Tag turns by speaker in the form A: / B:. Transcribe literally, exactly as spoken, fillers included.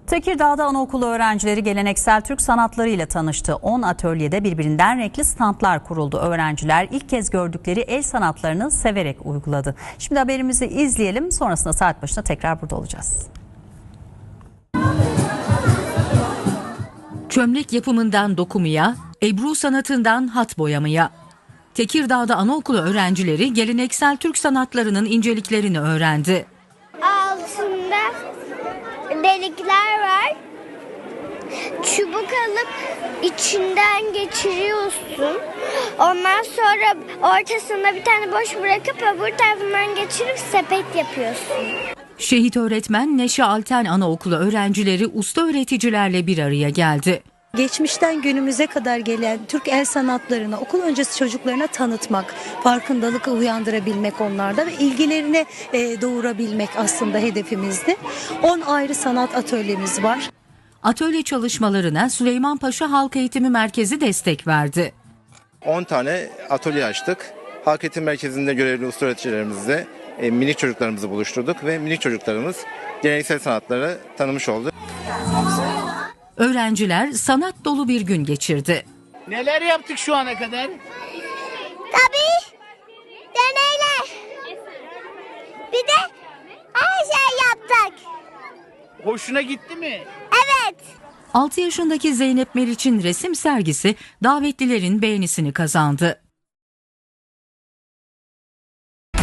A: Tekirdağ'da anaokulu öğrencileri geleneksel Türk sanatları ile tanıştı. on atölyede birbirinden renkli standlar kuruldu. Öğrenciler ilk kez gördükleri el sanatlarını severek uyguladı. Şimdi haberimizi izleyelim. Sonrasında saat başında tekrar burada olacağız.
B: Çömlek yapımından dokumaya, Ebru sanatından hat boyamaya. Tekirdağ'da anaokulu öğrencileri geleneksel Türk sanatlarının inceliklerini öğrendi.
C: Altında delikler var. Çubuk alıp içinden geçiriyorsun. Ondan sonra ortasında bir tane boş bırakıp öbür tarafından geçirip sepet yapıyorsun.
B: Şehit öğretmen Neşe Alten Anaokulu öğrencileri usta öğreticilerle bir araya geldi.
D: Geçmişten günümüze kadar gelen Türk el sanatlarını okul öncesi çocuklarına tanıtmak, farkındalık uyandırabilmek onlarda ve ilgilerini e, doğurabilmek aslında hedefimizdi. on ayrı sanat atölyemiz var.
B: Atölye çalışmalarına Süleymanpaşa Halk Eğitimi Merkezi destek verdi.
E: on tane atölye açtık. Halk Eğitim Merkezi'nde görevli usta öğreticilerimizle e, minik çocuklarımızı buluşturduk ve minik çocuklarımız geleneksel sanatları tanımış oldu.
B: Öğrenciler sanat dolu bir gün geçirdi.
F: Neler yaptık şu ana kadar?
C: Tabii deneyler. Bir de her şey yaptık.
F: Hoşuna gitti mi?
C: Evet.
B: altı yaşındaki Zeynep Meriç'in resim sergisi davetlilerin beğenisini kazandı.